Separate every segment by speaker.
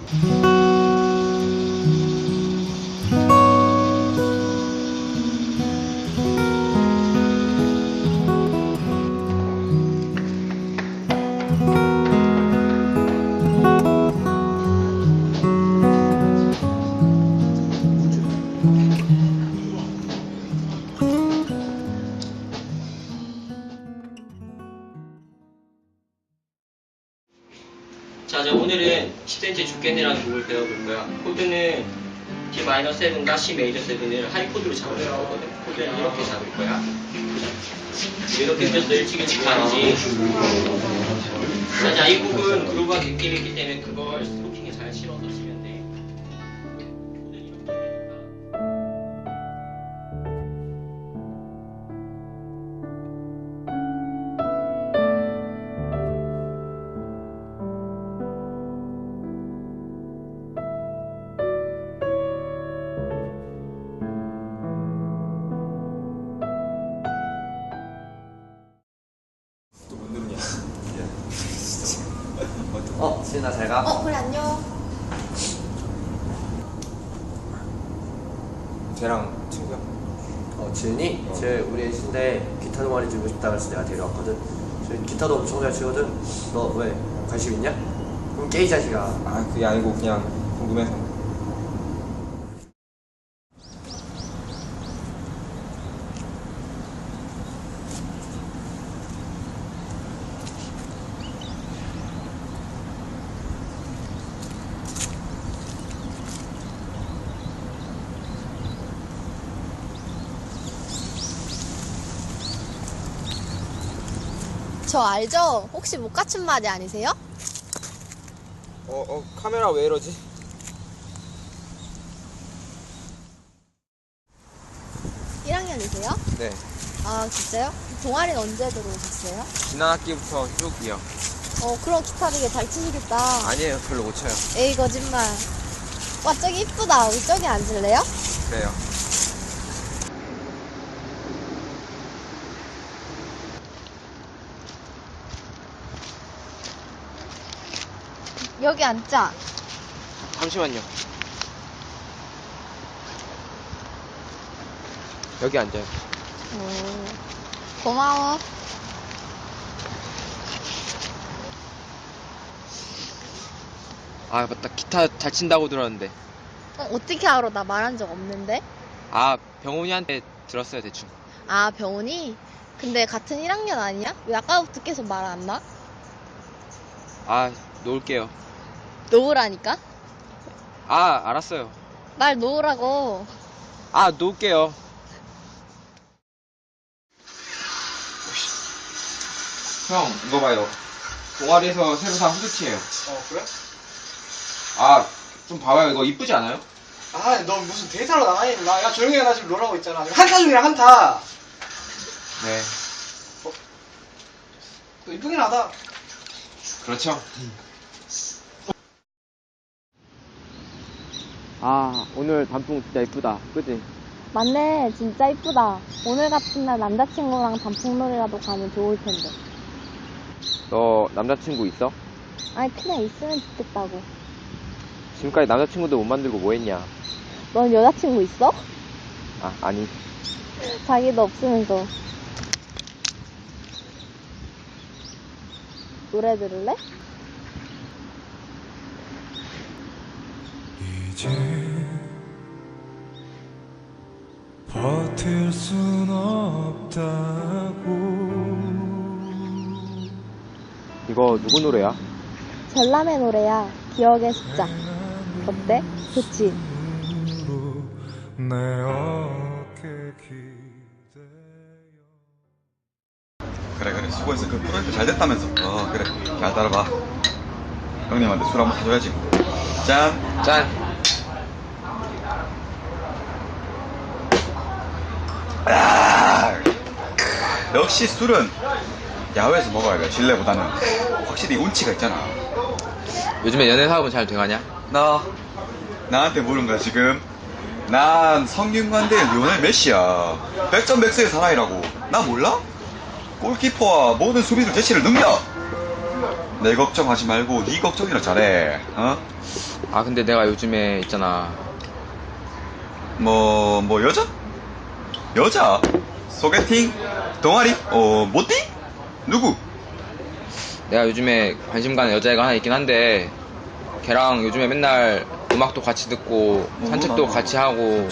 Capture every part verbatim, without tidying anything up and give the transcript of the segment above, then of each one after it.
Speaker 1: 자, 자 오늘은 십 센티미터 죽겠네라는 곡을 배워볼 거야. 코드는 디 마이너 세븐과 C 메이저 세븐을 하이 코드로 잡을 거거든. 코드는 이렇게 잡을 거야. 이렇게 해서 일찍일찍 가는지. 자, 자, 이 곡은 그루브가 느낌이 있기 때문에 그걸 스토킹에 잘 실어서 치면 돼. 코드는 이렇게 되니까.
Speaker 2: 어, 지은아 잘 가.
Speaker 3: 어, 그래, 안녕.
Speaker 2: 쟤랑 친구야?
Speaker 4: 어, 지은이?
Speaker 2: 어.
Speaker 4: 쟤 우리 애신데 기타 동아리 들고 싶다 그래서 내가 데려왔거든. 쟤 기타도 엄청 잘 치거든. 너 왜 관심 있냐? 그럼 깨 이 자식아.
Speaker 2: 아, 그게 아니고 그냥 궁금해서.
Speaker 3: 저 알죠? 혹시 못 갖춘 마디 아니세요?
Speaker 2: 어, 어, 카메라 왜 이러지?
Speaker 3: 일 학년이세요?
Speaker 2: 네.
Speaker 3: 아, 진짜요? 동아리는 언제 들어오셨어요?
Speaker 2: 지난 학기부터 쭉이요.
Speaker 3: 어, 그럼 기타 되게 잘 치시겠다.
Speaker 2: 아니에요, 별로 못 쳐요.
Speaker 3: 에이, 거짓말. 와, 저기 이쁘다. 우리 저기 앉을래요?
Speaker 2: 그래요.
Speaker 3: 여기 앉자.
Speaker 2: 잠시만요. 여기 앉아요.
Speaker 3: 오, 고마워.
Speaker 2: 아, 맞다. 기타 잘 친다고 들었는데.
Speaker 3: 어, 어떻게 알아? 나 말한 적 없는데?
Speaker 2: 아, 병훈이한테 들었어요, 대충.
Speaker 3: 아, 병훈이? 근데 같은 일 학년 아니야? 왜 아까부터 계속 말 안 나?
Speaker 2: 아, 놓을게요.
Speaker 3: 놓으라니까?
Speaker 2: 아, 알았어요.
Speaker 3: 말 놓으라고.
Speaker 2: 아, 놓을게요. 형, 이거 봐요. 동아리에서 새로 산 후드티예요.
Speaker 5: 어, 그래?
Speaker 2: 아, 좀 봐봐요. 이거 이쁘지 않아요?
Speaker 5: 아, 너 무슨 데이터로 나가 있나? 야, 조용히 해. 나 지금 롤하고 있잖아. 한타 중이야, 한타.
Speaker 2: 네.
Speaker 5: 너 이쁘긴 하다.
Speaker 2: 그렇죠. 아, 오늘 단풍 진짜 이쁘다. 그치?
Speaker 3: 맞네, 진짜 이쁘다. 오늘 같은 날 남자친구랑 단풍놀이라도 가면 좋을 텐데.
Speaker 2: 너 남자친구 있어?
Speaker 3: 아니, 그냥 있으면 좋겠다고.
Speaker 2: 지금까지 남자친구도 못 만들고 뭐 했냐?
Speaker 3: 넌 여자친구 있어?
Speaker 2: 아, 아니.
Speaker 3: 자기도 없으면서. 노래 들을래?
Speaker 6: 이제 버틸 순 없다고.
Speaker 2: 이거 누구 노래야?
Speaker 3: 전람의 노래야. 기억의 숫자. 어때? 좋지?
Speaker 6: 내 어깨 기대어.
Speaker 7: 그래 그래 수고했어. 그 프로젝트 잘 됐다면서. 어 그래 잘 따라봐. 형님한테 술 한번 사줘야지. 짠.
Speaker 2: 짠.
Speaker 7: 아, 역시 술은 야외에서 먹어야 돼. 실내보다는 확실히 운치가 있잖아.
Speaker 2: 요즘에 연애 사업은 잘 돼가냐?
Speaker 7: 나 나한테 물은 거야 지금. 난 성균관대 리오넬 메시야. 백전백승의 사나이라고. 나 몰라? 골키퍼와 모든 수비수 제치를 능력. 내 걱정하지 말고 네 걱정이나 잘해. 어?
Speaker 2: 아 근데 내가 요즘에 있잖아.
Speaker 7: 뭐, 뭐 여자? 여자? 소개팅? 동아리? 어, 모띠? 누구?
Speaker 2: 내가 요즘에 관심 가는 여자애가 하나 있긴 한데 걔랑 요즘에 맨날 음악도 같이 듣고 산책도 같이 하고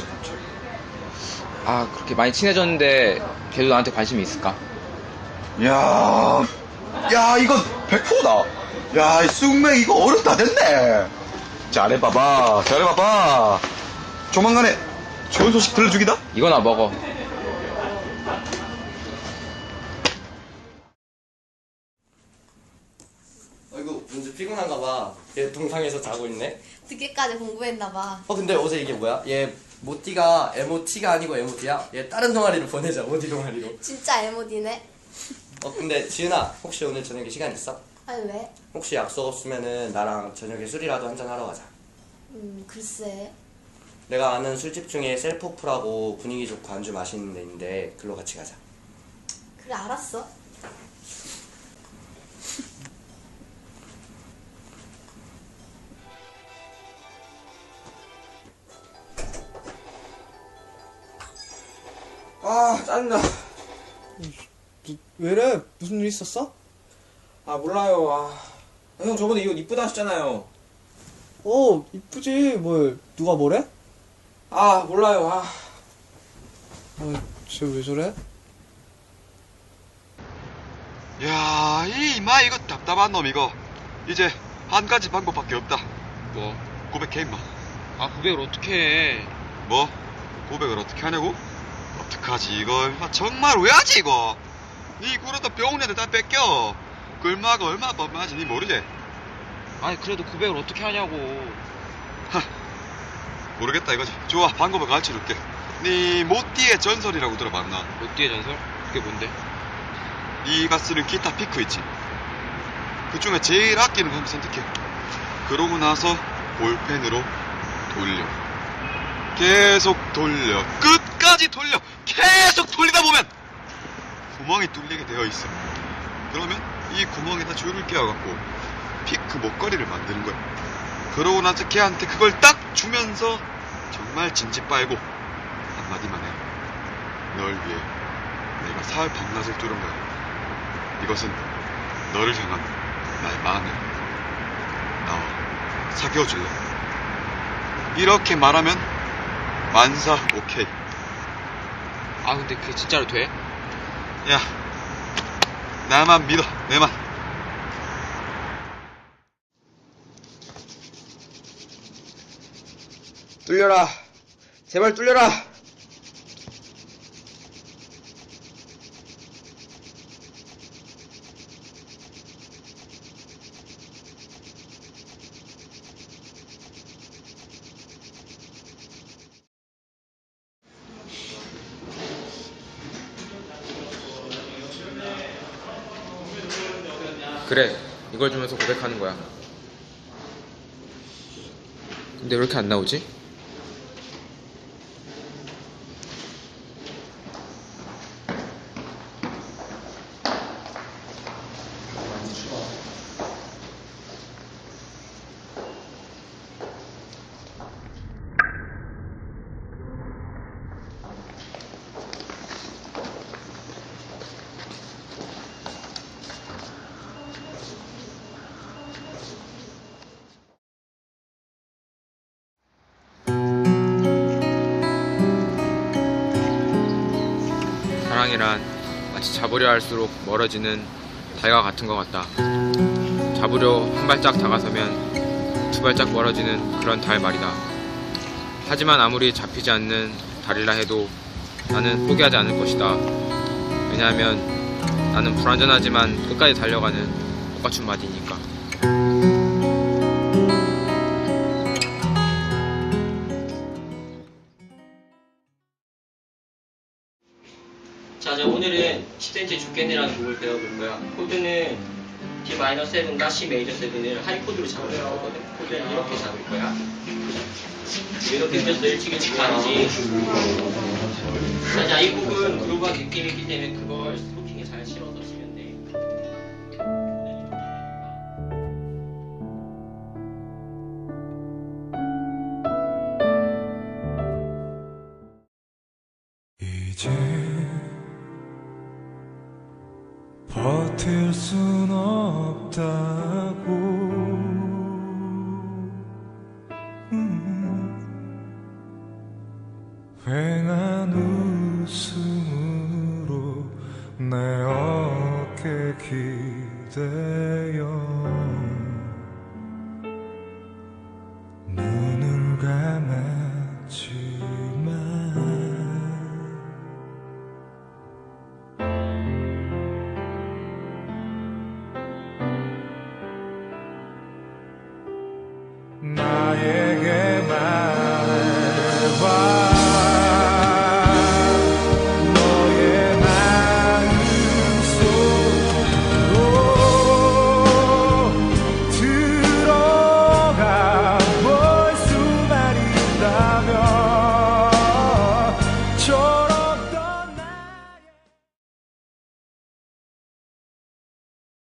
Speaker 2: 아 그렇게 많이 친해졌는데 걔도 나한테 관심이 있을까?
Speaker 7: 야, 야, 이건 백 퍼센트다. 야, 이 쑥맥 이거 어른 다 됐네. 잘해봐봐, 잘해봐봐. 조만간에 좋은 소식 들려주기다.
Speaker 2: 이거나 먹어.
Speaker 4: 아이고 은주 피곤한가 봐. 얘 동상에서 자고 있네.
Speaker 8: 늦게까지 공부했나봐.
Speaker 4: 어 근데 어제 이게 뭐야? 얘 모띠가 엠오티가 아니고 엠오티야? 얘 다른 동아리로 보내자. 어디 동아리로?
Speaker 8: 진짜 에모디네.
Speaker 4: 어 근데 지은아 혹시 오늘 저녁에 시간 있어?
Speaker 8: 아니 왜?
Speaker 4: 혹시 약속 없으면은 나랑 저녁에 술이라도 한잔 하러 가자.
Speaker 8: 음 글쎄.
Speaker 4: 내가 아는 술집 중에 셀프프라고 분위기 좋고 안주 맛있는 데 있는데 글로 같이 가자.
Speaker 8: 그래 알았어.
Speaker 5: 아 짜증나. 왜래? 무슨 일 있었어? 아 몰라요. 아, 형 저번에 이 옷 이쁘다 하셨잖아요. 어 이쁘지. 뭘 누가 뭐래? 아 몰라요. 아, 쟤 왜 저래?
Speaker 7: 야, 이 이마 이거 답답한 놈 이거. 이제 한 가지 방법밖에 없다.
Speaker 2: 뭐?
Speaker 7: 고백해 임마.
Speaker 2: 아 고백을 어떻게 해?
Speaker 7: 뭐? 고백을 어떻게 하냐고? 어떡하지 이거 임마 정말 왜 하지 이거? 니 그러다 병원에도 다 뺏겨. 그 얼마가 얼마나 뻔뻔하지 니 모르지?
Speaker 2: 아니 그래도 고백을 어떻게 하냐고.
Speaker 7: 하, 모르겠다 이거지. 좋아, 방법을 가르쳐줄게. 니 모띠의 전설이라고 들어봤나?
Speaker 2: 롯디의 전설? 그게 뭔데?
Speaker 7: 니가 쓰는 기타 피크 있지? 그 중에 제일 아끼는 거 한번 선택해. 그러고 나서 볼펜으로 돌려. 계속 돌려. 끝까지 돌려. 계속 돌리다 보면 구멍이 뚫리게 되어 있어. 그러면 이 구멍에다 줄을 끼워갖고 피크 목걸이를 만드는 거야. 그러고 나서 걔한테 그걸 딱 주면서 정말 진지 빨고 한마디만 해. 널 위해 내가 사흘 밤낮을 뚫은 거야. 이것은 너를 향한 나의 마음이야. 나와 사귀어줄래? 이렇게 말하면 만사 오케이.
Speaker 2: 아 근데 그게 진짜로 돼?
Speaker 7: 야, 나만 믿어, 내만.
Speaker 2: 뚫려라. 제발 뚫려라. 그래, 이걸 주면서 고백하는 거야. 근데 왜 이렇게 안 나오지? 사랑이란 마치 잡으려 할수록 멀어지는 달과 같은 것 같다. 잡으려 한 발짝 다가서면 두 발짝 멀어지는 그런 달 말이다. 하지만 아무리 잡히지 않는 달이라 해도 나는 포기하지 않을 것이다. 왜냐하면 나는 불완전하지만 끝까지 달려가는 꽃가춘 마디니까.
Speaker 1: 자, 이제 오늘은 십 센티미터 죽겠네라는 곡을 배워볼 거야. 코드는 디 마이너 세븐과 C 메이저 세븐을 하이 코드로 잡을 거거든. 코드는 이렇게 잡을 거야. 이렇게 생겼어. 일찍일찍 가지. 자, 자, 이 곡은 그루브한 느낌이 있기 때문에 그걸 스토킹에 잘 실어서 치면 돼. 코드는 이렇게 되니까.
Speaker 6: 버틸 순 없다고